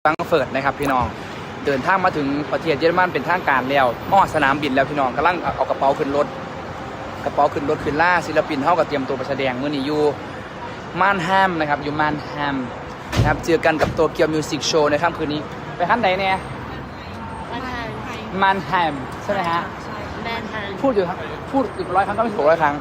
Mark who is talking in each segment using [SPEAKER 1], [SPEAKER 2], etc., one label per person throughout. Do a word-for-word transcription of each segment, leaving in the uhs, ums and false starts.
[SPEAKER 1] รังเฟิร์ตนะครับพี่น้องเดินทางมาถึงประเทศเยอรมันเป็นทางการแล้วมอดสนามบินแล้วพี่น้องกำลังเอากระเป๋าขึ้นรถกระเป๋าขึ้นรถขึ้นล่าศิลปินเท่ากับเตรียมตัวไปแสดงเมื่อนี้อยู่มานแฮมนะครับอยู่มานแฮมนะครับเจอกันกับโตเกียวมิวสิกโชว์ในค่ำคืนนี้ไปขั้นไหนเนี่ย
[SPEAKER 2] มันไทย
[SPEAKER 1] มานแฮมใช่ไหมฮะ
[SPEAKER 2] แมนไทย
[SPEAKER 1] พูดอยู่ครับพูดอีกร้อยครั้งก็ไม่ถูกร้อยครั้ง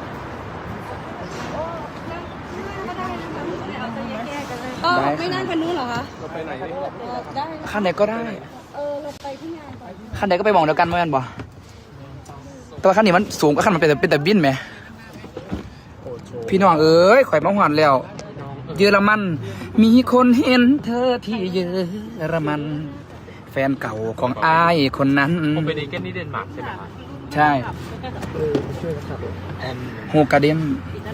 [SPEAKER 3] เออไม่นั่งคันนู้นเหรอคะเราไปไหนได้
[SPEAKER 1] ขั้นไหนก็ได้
[SPEAKER 3] เออเราไปที่งานก่อน
[SPEAKER 1] ขั้นไหนก็ไปมองเดียวกันเหมือนกันบ่แต่ว่าขั้นนี้มันสูงกว่าขั้นมันเป็นแต่เป็นแต่บินไหมพี่น้องเอ้ยข่อยมาหวานแล้วเยอรมันมีคนเห็นเธอที่เยอรมันแฟนเก่าของอายคนนั้น
[SPEAKER 4] ผมไปดีเกนนี่เดนมาร์กใช่ไหมครับ
[SPEAKER 1] ใช่โฮกาเดน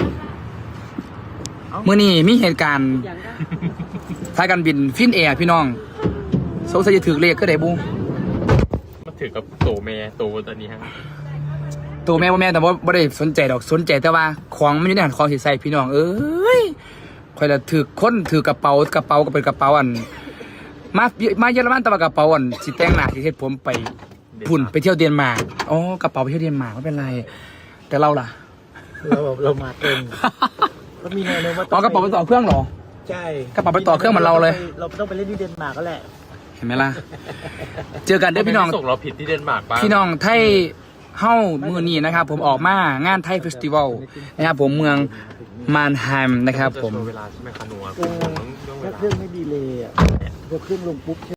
[SPEAKER 1] เมื่อนี้มีเหตุการณ์ท้ายการบินฟินแอร์พี่น้องสงสัยจะถือเลขก็ได้บู
[SPEAKER 4] มาถือกับโตเมย์โตตอนนี้ฮะ
[SPEAKER 1] ตัวแม่พ่อแม่แต่ว่าไม่ได้สนใจดอกสนใจแต่ว่าของมันอยู่ในหันของสิใส่พี่น้องเอ้ยคอยละถือค้นถือกระเป๋ากระเป๋าก็เป็นกระเป๋าอันมามาเยอรมันแต่ว่ากระเป๋าอันสิแต่งหน้าที่เฮ็ดผมไปพุ่นไปเที่ยวเดนมาร์กอ๋อกระเป๋าไปเที่ยวเดนมาร์กไม่เป็นไรแต่เราล่ะ
[SPEAKER 5] เราเรามาเต็มก็มีแนวโน้มว่า
[SPEAKER 1] อ๋อกระเป๋าไปต่อเครื่องเหรอ
[SPEAKER 5] ใช่
[SPEAKER 1] กระเป๋าไปต่อเครื่องเหมือนเราเลย
[SPEAKER 5] เราต้องไปเล่นที่เดนมาร์กก็แหละ
[SPEAKER 1] เห็นไหมล่ะเจอกันเด้อพี่น้อง
[SPEAKER 4] ส่งเราผิดที่เดนมาร์กป่ะ
[SPEAKER 1] พี่น้องไทยเฮ้ามือนี้นะครับผมออกมางานไทยเฟสติวัลนะครับผมเมืองมานไฮม์นะครับผม
[SPEAKER 4] เวลาใช่ไหมคะนัว
[SPEAKER 5] เออถ้าเครื่องไม่ดีเลยอ่ะพอเครื่องลงปุ๊บ